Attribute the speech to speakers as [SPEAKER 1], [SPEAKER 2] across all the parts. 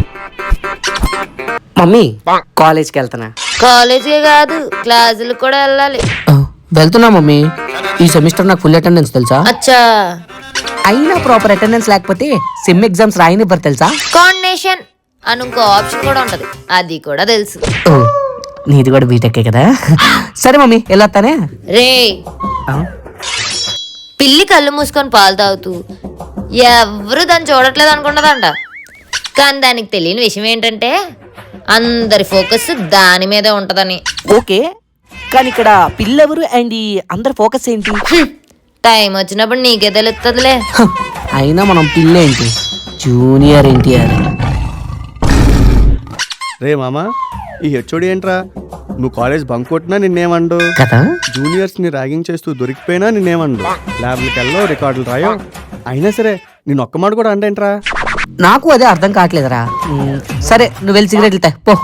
[SPEAKER 1] Mummy కాలేజ్కి వెళ్తున్నా.
[SPEAKER 2] College కాదు, క్లాసులకు కూడా వెళ్ళాలి.
[SPEAKER 1] వెళ్తున్నా మమ్మీ. ఈ సెమిస్టర్ నాకు ఫుల్ అటెండెన్స్ తెలుసా?
[SPEAKER 2] అచ్చా.
[SPEAKER 1] అయినా ప్రాపర్ అటెండెన్స్ లేకపోతే సెమ్ ఎగ్జామ్స్ రాయనివ్వరు తెలుసా?
[SPEAKER 2] కాండినేషన్ అని ఇంకో ఆప్షన్ కూడా ఉంటది, అది కూడా తెలుసు.
[SPEAKER 1] ఓ, నీది కూడా బీటెక్కే కదా. సరే మమ్మీ వెళ్ళొస్తానే.
[SPEAKER 2] రే, పిల్లి కళ్ళు మూసుకొని పాలు తాగుతూ ఎవరు దాన్ని చూడట్లేదు అనుకున్నదంట. కానీ దానికి తెలియని విషయం ఏంటంటే అందరి ఫోకస్ దాని మీదే ఉంటదని.
[SPEAKER 1] ఓకే, కానీ ఇక్కడ పిల్లెవరు అండ్ ఈ అందరి ఫోకస్ ఏంటి?
[SPEAKER 2] టైం వచ్చినప్పుడు నీకే తెలుస్తుందిలే.
[SPEAKER 1] అయినా మనం పిల్లేంటి, జూనియర్ ఎన్టీఆర్.
[SPEAKER 3] రే మామా, ఈ హెచ్ఓడి ఏంట్రా? నువ్వు కాలేజ్ బంక్ కొట్టినా నిన్నేమండు,
[SPEAKER 1] కదా
[SPEAKER 3] జూనియర్స్ ని ర్యాగింగ్ చేస్తూ దొరికిపోయినా నిన్నేమండు, ల్యాబ్లకి వెళ్ళావు రికార్డులు రాయో, అయినా సరే నేను ఒక్క మాట కూడా అంటేంట్రా?
[SPEAKER 1] నాకు అదే అర్థం కావట్లేదురా. సరే నువ్వు వెళ్ళి సిగరెట్లు తా పో.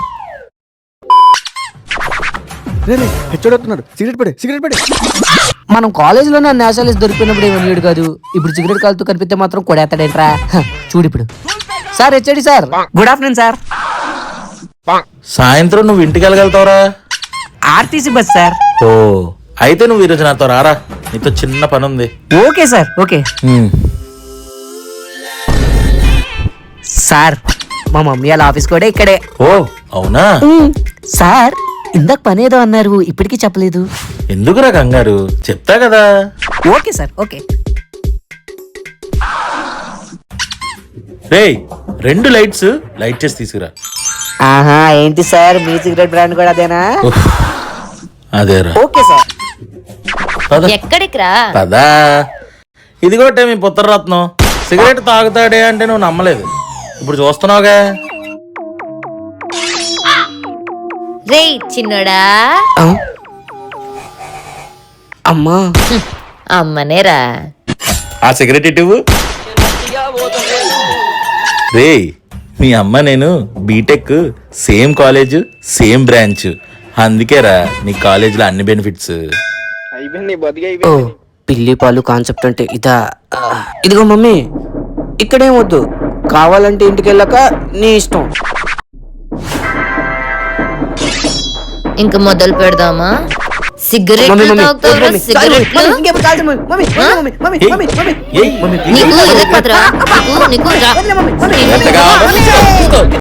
[SPEAKER 3] రే హెచ్ఓడి వస్తున్నాడు, సిగరెట్ పడే.
[SPEAKER 1] మనం కాలేజీలోనే నేషనలిస్ట్ దొరికినప్పుడు ఏమని కాదు, ఇప్పుడు సిగరెట్ కాలుతూ కనిపిస్తే మాత్రం కొడేస్తాడేంట్రా. చూడు ఇప్పుడు. Sir HOD sir, good afternoon sir.
[SPEAKER 4] సాయంత్రం నువ్వు ఇంటికి వెళ్ళగలుగుతావురా?
[SPEAKER 1] RTC bus sir.
[SPEAKER 4] ఓ, అయితే నువ్వు ఈరోజు నాతో రారా, నీతో చిన్న పని ఉంది.
[SPEAKER 1] Okay sir, okay sir. మా మమ్మీ వాళ్ళ ఆఫీస్ కూడా ఇక్కడే.
[SPEAKER 4] ఓ అవునా?
[SPEAKER 1] సార్ ఇందాక పని ఏదో అన్నారు, ఇప్పటికీ చెప్పలేదు.
[SPEAKER 4] ఎందుకురా కంగారు, చెప్తా కదా.
[SPEAKER 1] Okay sir, okay.
[SPEAKER 4] రేయ్, 2 లైట్స్ లైట్ చేసి తీసుకురా.
[SPEAKER 1] ఆహా, ఏంటి సార్ మీ సిగరెట్ బ్రాండ్ కూడా అదేనా?
[SPEAKER 4] ఉఫ్, అదేరా.
[SPEAKER 1] Okay sir.
[SPEAKER 4] పద.
[SPEAKER 2] ఎక్కడికి రా?
[SPEAKER 4] పదా. ఇదిగోటే మీ పుత్రరత్నం, సిగరెట్ తాగుతాడే అంటే నువ్వు నమ్మలేదు, ఇప్పుడు చూస్తున్నావుగా.
[SPEAKER 2] రే చిన్నోడా.
[SPEAKER 1] అమ్మా.
[SPEAKER 2] అమ్మనేరా.
[SPEAKER 4] ఆ సిగరెట్ ఇటువు. రే, మీ అమ్మ నేను BTech same college same branch, అందుకేరా నీ కాలేజీలో అన్ని బెనిఫిట్స్.
[SPEAKER 1] ఓ, పిల్లి పాలు కాన్సెప్ట్ అంటే ఇదా? ఇదిగో మమ్మీ, ఇక్కడేం వద్దు, కావాలంటే ఇంటికి వెళ్ళాక నీ ఇష్టం.
[SPEAKER 2] ఇంక మొదలు పెడదామా? సిగరెట్లు తాగుతావురా? సిగరెట్లు నీకు ఇదే కదరా, నీకు రా.